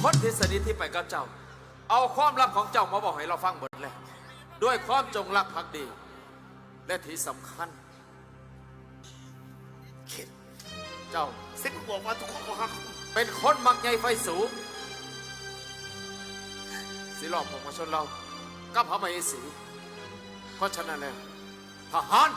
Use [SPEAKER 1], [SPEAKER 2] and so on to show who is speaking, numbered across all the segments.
[SPEAKER 1] คนที่สนิทที่ไปกับเจ้าเอาความลับของเจ้ามาบอกให้เราฟังหมดเลยด้วยความจงรักภักดีและที่สำคัญ
[SPEAKER 2] เข็ด
[SPEAKER 1] เจ้า
[SPEAKER 2] เส้นบอกว่าทุกคนก็ฮัก
[SPEAKER 1] เป็นคนมักใหญ่ไฟสูงสิหลอกผมมาชนเรากับพระมเหสีเพราะฉะนั้นแล้วทหาร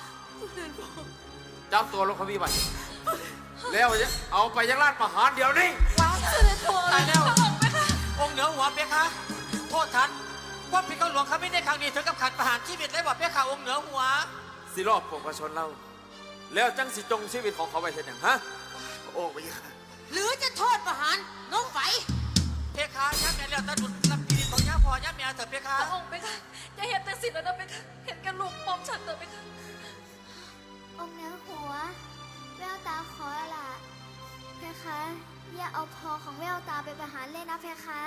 [SPEAKER 1] จับตัวลงขบีไปแล้วเอาไปยังราชประหารเดี๋ยวนี้
[SPEAKER 3] ตายแล้วองค์เหนือหัวเปียคะโทษท่านว่าพี่เขาหลวงเขาไม่ได้ครั้งนี้ถึงกับขัดประหารชีวิตเลยบอกเปียคะองค์เหนือหัว
[SPEAKER 1] สิรอบผมมาชนเราแล้วจังสิจงชีวิตของเขาไปเห็นอย่างฮะ
[SPEAKER 2] โอ้ไม่ค่ะ
[SPEAKER 4] หรือจะโทษประหารน้องไฟ
[SPEAKER 3] เปียคะย่าแม่แล้วตาดุดลำปีของย่าพอย่าแม่เถอะเปียคะ
[SPEAKER 5] องค์ไปค่ะอย่าเห็นแต่สิ่งนั้นไปค่ะเห็นกันลูกมอมฉันเถอะไปค่ะ
[SPEAKER 6] องค์เหนือหัวแววตาขอละเพคะอย่าเอาพอของแววตาไปประหารเลยนะเพคะ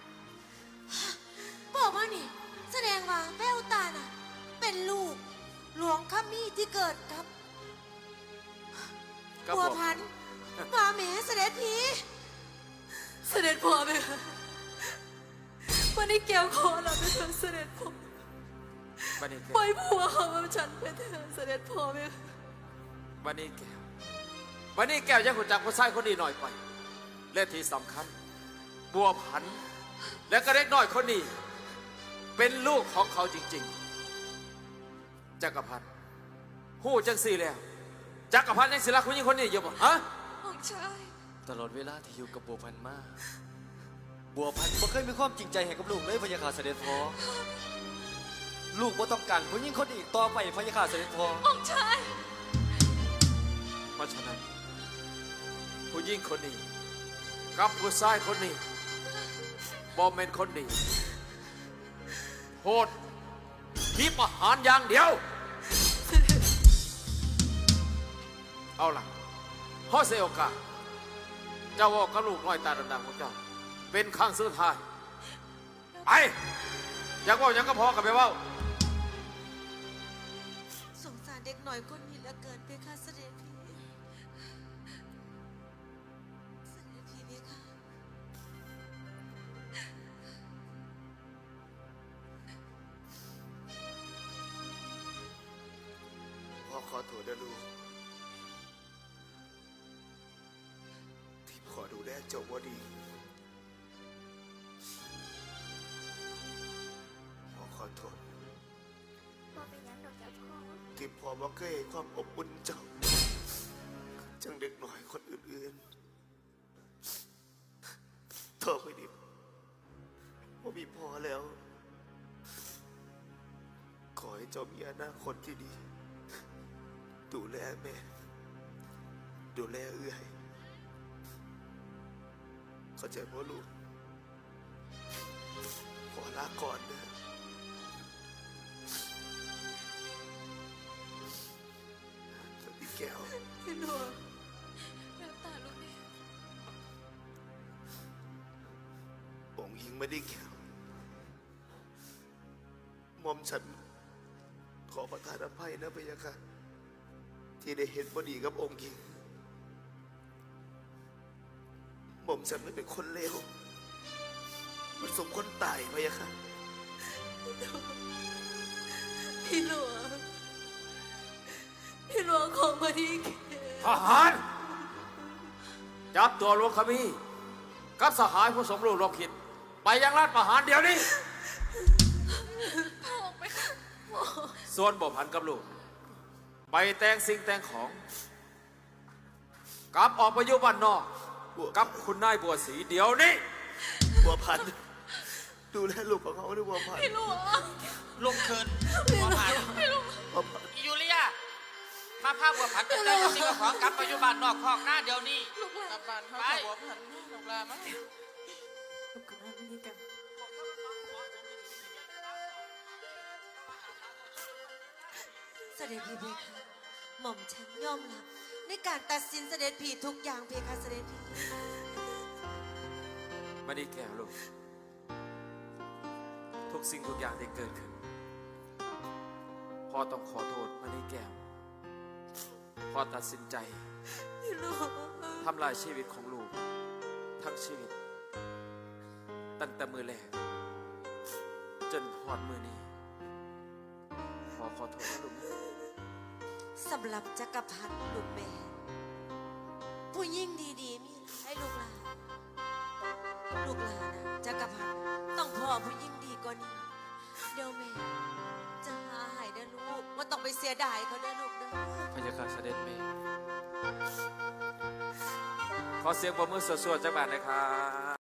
[SPEAKER 4] บอกว่านี่แสดงว่าแววตาน่ะเป็นลูกหลวงขมี่ที่เกิดกับบัวพันธุ์มาแม่เสด็จพี่
[SPEAKER 5] เสด็จพ่อไปค่ะวันนี้แก้วขอเราไปเถอะเสด็จพ่อปล่อยผัวของฉันไปเถอะเสด็จพ่อไป
[SPEAKER 1] วันนี้แก้วยังหุ่นจักผู้ชายคนนี้หน่อยไปและที่สำคัญบัวพันธุ์และก็เล็กน้อยคนนี้เป็นลูกของเขาจริงๆจักรพันธ์หู้จังสี่แล้วจักรพันธ์ยังศิลาคุณยิ่งคนนี้อยู่บ่ฮะ
[SPEAKER 5] องค์ชาย
[SPEAKER 7] ตลอดเวลาที่อยู่กับบัวพันธ์มาบัวพันธ์บ่เคยมีความจริงใจให้กับลูกเลยพะยาค่ะเสด็จพ่อลูกบ่ต้องการผู้หญิงคนอีกต่อไปพะยาค่ะเสด็จพ่อ
[SPEAKER 5] องค์ชาย
[SPEAKER 1] เพราะฉะนั้นผู้หญิงคนนี้กับผู้ชายคนนี้บ่แม่นคนนี้โหดมีประหารอย่างเดียวเอาล่ะพ่อเสียโอกาสเจ้าว่ากับลูกน้อยตาดำๆของเจ้าเป็นครั้งสุดท้ายไปอยากว่ายังก็พอกับไปว่า
[SPEAKER 4] สงสารเด็กหน่อยคนนี้เหลือเกินเพคะเสด็จพี่เสด็จพี่เพคะ
[SPEAKER 2] พ่อขอโทษนะลูกที่พ่อดูแลเจ้าว่าดีพ่อขอโทษ
[SPEAKER 6] พ่อเป็นยังดอกจากพ่อ
[SPEAKER 2] ที่พ่อบ่เคยให้ความอบอุ่นเจ้าจังเด็กหน่อยคนอื่นๆต่อไปนี้พ่อมีพ่อแล้วขอให้เจ้ามีอนาคตที่ดีดูแลแม่ดูแลเอื้อยเข้าใจพ่อลูกขอลาก่อนนะสวัสดีแก้ว
[SPEAKER 5] พี่หลวงแววตาลูกนี่
[SPEAKER 2] องค์หญิงไม่ได้แก้วมอมฉันขอประทานอภัยนะพะยะค่ะที่ได้เห็นพอดีกับองค์หญิงหม่อมฉันไม่เป็นคนเลวมันสมคนตายพะยะค่ะ
[SPEAKER 5] พี่หลวงของมาดี
[SPEAKER 1] ทหารจับตัวหลวงขมีกับสหายผู้สมรู้ร่วมคิดไปยังราชประหารเดี๋ยวนี้ส่วนบัวพันกับลูกไปแต่งสิ่งแต่งของกลับออกไปอยู่บ้านนอกกับคุณนายบัวศรีเดี๋ยวนี้
[SPEAKER 2] บัวพันดูแลลูกของเขาด้วยบัวพัน
[SPEAKER 5] พี่หลวง
[SPEAKER 3] ลงเคินบัวผันยูเลียมาพาบัวผันเป็นเจ้าสิ่งของกลับปัจจุบันนอกคอกหน้าเดี๋ยวนี้
[SPEAKER 5] กลับบ้านไปบัวผันลูกลามั้งลูกกับแม่ไม่ดีกัน
[SPEAKER 4] เสด็จพี่เพคะหม่อมฉันยอมรับในการตัดสินเสด็จพี่ทุกอย่างเพคะเสด็จพี่
[SPEAKER 1] มาดีแก้วลูกทุกสิ่งทุกอย่างที่เกิดขึ้นพ่อต้องขอโทษมาดีแก้วพ่อตัดสินใจทำลายชีวิตของลูกทั้งชีวิตตั้งแต่มือแรกจนหอดมือนี้ขอโทษนะลูกนะ
[SPEAKER 4] สำหรับจักรพรรดิลูกแม่ ผู้ยิ่งดีๆมีให้ลูกหลานนะจักรพรรดิต้องพ่อผู้ยิ่งดีกว่านี้ เดี๋ยวแม่จะหาให้เด้อลูกว่าต้องไปเสียดายเขาเด้อลูกเด้อ
[SPEAKER 7] พยาคาเสด็จแม่
[SPEAKER 1] ขอเสียงปรบมือสวดๆจากบ้านนะครับ